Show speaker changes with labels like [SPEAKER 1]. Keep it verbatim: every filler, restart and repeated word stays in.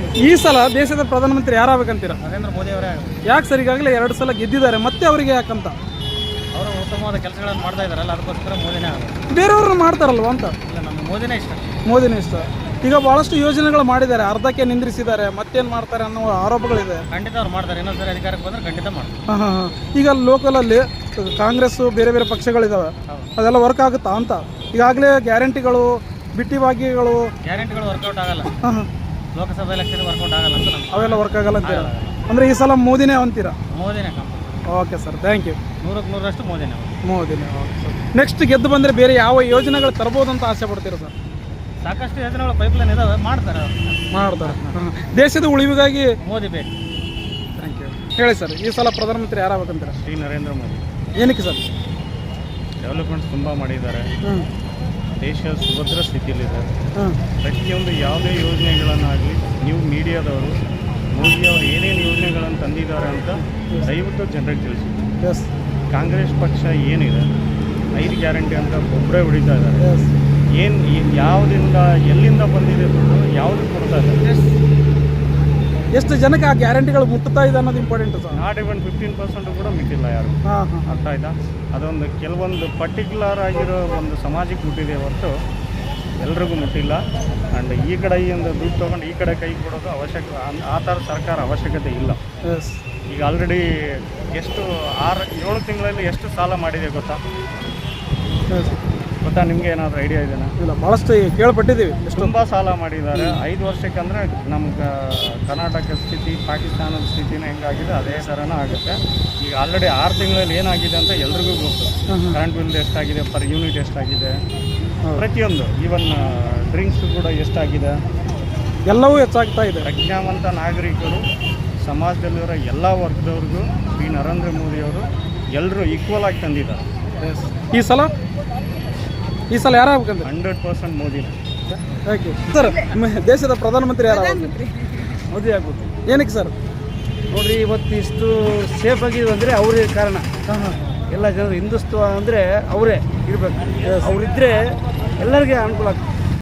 [SPEAKER 1] ಈ ಸಲ ದೇಶದ ಪ್ರಧಾನಮಂತ್ರಿ ಯಾರಾಗಬೇಕಂತೀರಾ?
[SPEAKER 2] ನರೇಂದ್ರ ಮೋದಿ ಅವರೇ.
[SPEAKER 1] ಯಾಕೆ ಸರ್ ಈಗಾಗಲೇ ಎರಡು ಸಲ ಗೆದ್ದಿದ್ದಾರೆ, ಮತ್ತೆ ಅವರಿಗೆ ಯಾಕಂತ?
[SPEAKER 2] ಅವರು ಉತ್ತಮವಾದ ಕೆಲಸಗಳನ್ನು ಮಾಡ್ತಾ ಇದ್ದಾರಲ್ಲ, ಅದಕ್ಕೋಸ್ಕರ ಮೋದಿನೇ ಆಗೋದು.
[SPEAKER 1] ಬೇರೆಯವ್ರನ್ನ ಮಾಡ್ತಾರಲ್ವ ಅಂತ?
[SPEAKER 2] ಇಲ್ಲ, ನಮಗೆ ಮೋದಿನೇ ಇಷ್ಟ.
[SPEAKER 1] ಮೋದಿನೇ ಇಷ್ಟ. ಈಗ ಭಾಳಷ್ಟು ಯೋಜನೆಗಳು ಮಾಡಿದ್ದಾರೆ, ಅರ್ಧಕ್ಕೆ ನಿಂದ್ರಿಸಿದ್ದಾರೆ, ಮತ್ತೇನು ಮಾಡ್ತಾರೆ ಅನ್ನೋ ಆರೋಪಗಳಿದೆ.
[SPEAKER 2] ಖಂಡಿತ ಅವ್ರು ಮಾಡ್ತಾರೆ, ಇನ್ನೊಂದ್ಸರಿ ಅಧಿಕಾರಕ್ಕೆ ಬಂದರೆ ಖಂಡಿತ ಮಾಡ್ತಾರೆ.
[SPEAKER 1] ಹಾಂ ಹಾಂ ಹಾಂ ಈಗ ಲೋಕಲಲ್ಲಿ ಕಾಂಗ್ರೆಸ್ಸು ಬೇರೆ ಬೇರೆ ಪಕ್ಷಗಳಿದ್ದಾವೆ, ಅದೆಲ್ಲ ವರ್ಕ್ ಆಗುತ್ತಾ ಅಂತ? ಈಗಾಗಲೇ ಗ್ಯಾರಂಟಿಗಳು, ಬಿಟ್ಟಿ ಭಾಗ್ಯಗಳು,
[SPEAKER 2] ಗ್ಯಾರಂಟಿಗಳು ವರ್ಕೌಟ್ ಆಗಲ್ಲ.
[SPEAKER 1] ಹಾಂ ಹಾಂ
[SPEAKER 2] ಲೋಕಸಭಾ ಎಲೆಕ್ಷನ್ ವರ್ಕೌಟ್ ಆಗಲ್ಲ ಅಂತ ನಮ್ಗೆ.
[SPEAKER 1] ಅವೆಲ್ಲ ವರ್ಕ್ ಆಗಲ್ಲ ಅಂತೀರಾ? ಅಂದರೆ ಈ ಸಲ ಮೋದಿನೇ ಅಂತೀರಾ?
[SPEAKER 2] ಮೋದಿನೇ compulsory.
[SPEAKER 1] Okay sir, thank you.
[SPEAKER 2] ನೂರಕ್ಕೆ ನೂರರಷ್ಟು ಮೋದಿನೇ.
[SPEAKER 1] ಮೋದಿನೇ. Okay sir. ನೆಕ್ಸ್ಟ್ ಗೆದ್ದು ಬಂದರೆ ಬೇರೆ ಯಾವ ಯೋಜನೆಗಳು ತರ್ಬೋದು ಅಂತ ಆಸೆ ಪಡ್ತೀರಾ ಸರ್?
[SPEAKER 2] ಸಾಕಷ್ಟು ಯೋಜನೆಗಳು ಪೈಪ್ಲೈನ್ ಇದಾವೆ, ಮಾಡ್ತಾರೆ ಅವರು.
[SPEAKER 1] ಮಾಡ್ತಾರೆ. ಹಾಂ, ದೇಶದ ಉಳಿವಿಗಾಗಿ
[SPEAKER 2] ಮೋದಿ ಬೇಕು.
[SPEAKER 1] Thank you. ಹೇಳಿ ಸರ್, ಈ ಸಲ ಪ್ರಧಾನಮಂತ್ರಿ ಯಾರಾಗಬೇಕಂತೀರಾ?
[SPEAKER 2] ಶ್ರೀ ನರೇಂದ್ರ ಮೋದಿ.
[SPEAKER 1] ಏನಕ್ಕೆ ಸರ್?
[SPEAKER 2] ಡೆವಲಪ್ಮೆಂಟ್ಸ್ ತುಂಬ ಮಾಡಿದ್ದಾರೆ.
[SPEAKER 1] ಹ್ಞೂ
[SPEAKER 2] ದೇಶ ಸುಭದ್ರ ಸ್ಥಿತಿಯಲ್ಲಿದೆ.
[SPEAKER 1] ಹಾಂ
[SPEAKER 2] ಪ್ರತಿಯೊಂದು ಯಾವುದೇ ಯೋಜನೆಗಳನ್ನಾಗಲಿ ನೀವು ಮೀಡಿಯಾದವರು ಮೋದಿಯವರು ಏನೇನು ಯೋಜನೆಗಳನ್ನು ತಂದಿದ್ದಾರೆ ಅಂತ ದಯವಿಟ್ಟು ಜನರಿಗೆ ತಿಳಿಸಿ.
[SPEAKER 1] ಎಸ್
[SPEAKER 2] ಕಾಂಗ್ರೆಸ್ ಪಕ್ಷ ಏನಿದೆ, ಐದು ಗ್ಯಾರಂಟಿ ಅಂತ ಒಬ್ಬರೇ ಹೊಡಿತಾ ಇದ್ದಾರೆ.
[SPEAKER 1] ಎಸ್
[SPEAKER 2] ಏನು ಯಾವುದಿಂದ ಎಲ್ಲಿಂದ ಬಂದಿದೆ ದುಡ್ಡು ಯಾವುದು ಕೊಡ್ತಾ ಇದ್ದಾರೆ?
[SPEAKER 1] ಎಷ್ಟು ಜನಕ್ಕೆ ಆ ಗ್ಯಾರಂಟಿಗಳು ಮುಟ್ಟುತ್ತಾ ಇದೆ ಅನ್ನೋದು important sir.
[SPEAKER 2] Not even fifteen percent ಕೂಡ ಮುಟ್ಟಿಲ್ಲ ಯಾರು.
[SPEAKER 1] ಹಾಂ ಹಾಂ
[SPEAKER 2] ಅರ್ಥ ಆಯ್ತಾ? ಅದೊಂದು ಕೆಲವೊಂದು ಪರ್ಟಿಕ್ಯುಲರ್ ಆಗಿರೋ ಒಂದು ಸಮಾಜಕ್ಕೆ ಮುಟ್ಟಿದೆ ಹೊರತು ಎಲ್ರಿಗೂ ಮುಟ್ಟಿಲ್ಲ. ಆ್ಯಂಡ್ ಈ ಕಡೆಯಿಂದ ದುಡ್ಡು ತೊಗೊಂಡು ಈ ಕಡೆ ಕೈ ಕೊಡೋದು ಅವಶ್ಯಕ, ಆ ಥರ ಸರ್ಕಾರ ಅವಶ್ಯಕತೆ ಇಲ್ಲ.
[SPEAKER 1] ಎಸ್
[SPEAKER 2] ಈಗ ಆಲ್ರೆಡಿ ಎಷ್ಟು ಆರು ಏಳು ತಿಂಗಳಲ್ಲಿ ಎಷ್ಟು ಸಾಲ ಮಾಡಿದೆ ಗೊತ್ತಾ?
[SPEAKER 1] ಎಸ್
[SPEAKER 2] ಗೊತ್ತಾ ನಿಮಗೆ? ಏನಾದರೂ ಐಡಿಯಾ ಇದೆಯಾ?
[SPEAKER 1] ಇಲ್ಲ, ಭಾಳಷ್ಟು ಕೇಳ್ಪಟ್ಟಿದ್ದೀವಿ. ಎಷ್ಟು
[SPEAKER 2] ತುಂಬ ಸಾಲ ಮಾಡಿದ್ದಾರೆ. ಐದು ವರ್ಷಕ್ಕಂದರೆ ನಮ್ಮ ಕರ್ನಾಟಕ ಸ್ಥಿತಿ ಪಾಕಿಸ್ತಾನದ ಸ್ಥಿತಿನ ಹೆಂಗಾಗಿದೆ ಅದೇ ಥರನೇ ಆಗುತ್ತೆ. ಈಗ ಆಲ್ರೆಡಿ ಆರು ತಿಂಗಳಲ್ಲಿ ಏನಾಗಿದೆ ಅಂತ ಎಲ್ರಿಗೂ ಗೊತ್ತು. ಕರೆಂಟ್ ಬಿಲ್ ಎಷ್ಟಾಗಿದೆ, ಪರ್ ಯೂನಿಟ್ ಎಷ್ಟಾಗಿದೆ, ಪ್ರತಿಯೊಂದು ಈವನ್ ಡ್ರಿಂಕ್ಸ್ ಕೂಡ ಎಷ್ಟಾಗಿದೆ,
[SPEAKER 1] ಎಲ್ಲವೂ ಹೆಚ್ಚಾಗ್ತಾ ಇದೆ.
[SPEAKER 2] ಪ್ರಜ್ಞಾವಂತ ನಾಗರಿಕರು ಸಮಾಜದಲ್ಲಿರೋ ಎಲ್ಲ ವರ್ಗದವ್ರಿಗೂ ಶ್ರೀ ನರೇಂದ್ರ ಮೋದಿಯವರು ಎಲ್ಲರೂ ಈಕ್ವಲ್ ಆಗಿ ತಂದಿದ್ದಾರೆ.
[SPEAKER 1] ಈ ಸಲ ಈ ಸಲ ಯಾರಾಗಬೇಕಂದ್ರೆ?
[SPEAKER 2] ಹಂಡ್ರೆಡ್ ಪರ್ಸೆಂಟ್ ಮೋದಿನೇ.
[SPEAKER 1] Thank you sir. ದೇಶದ ಪ್ರಧಾನಮಂತ್ರಿ ಯಾರಾಗಬೇಕು?
[SPEAKER 3] ಮೋದಿ ಆಗ್ಬೋದು.
[SPEAKER 1] ಏನಕ್ಕೆ ಸರ್?
[SPEAKER 3] ನೋಡ್ರಿ, ಇವತ್ತು ಇಷ್ಟು ಸೇಫ್ ಆಗಿದ್ವು ಅಂದರೆ ಅವರೇ ಕಾರಣ.
[SPEAKER 1] ಹಾಂ ಹಾಂ
[SPEAKER 3] ಎಲ್ಲ ಜನರು ಹಿಂದುತ್ವ ಅಂದರೆ ಅವರೇ ಇರಬೇಕು. ಅವರಿದ್ದರೆ ಎಲ್ಲರಿಗೆ ಅನುಕೂಲ ಆಗ್ತದೆ.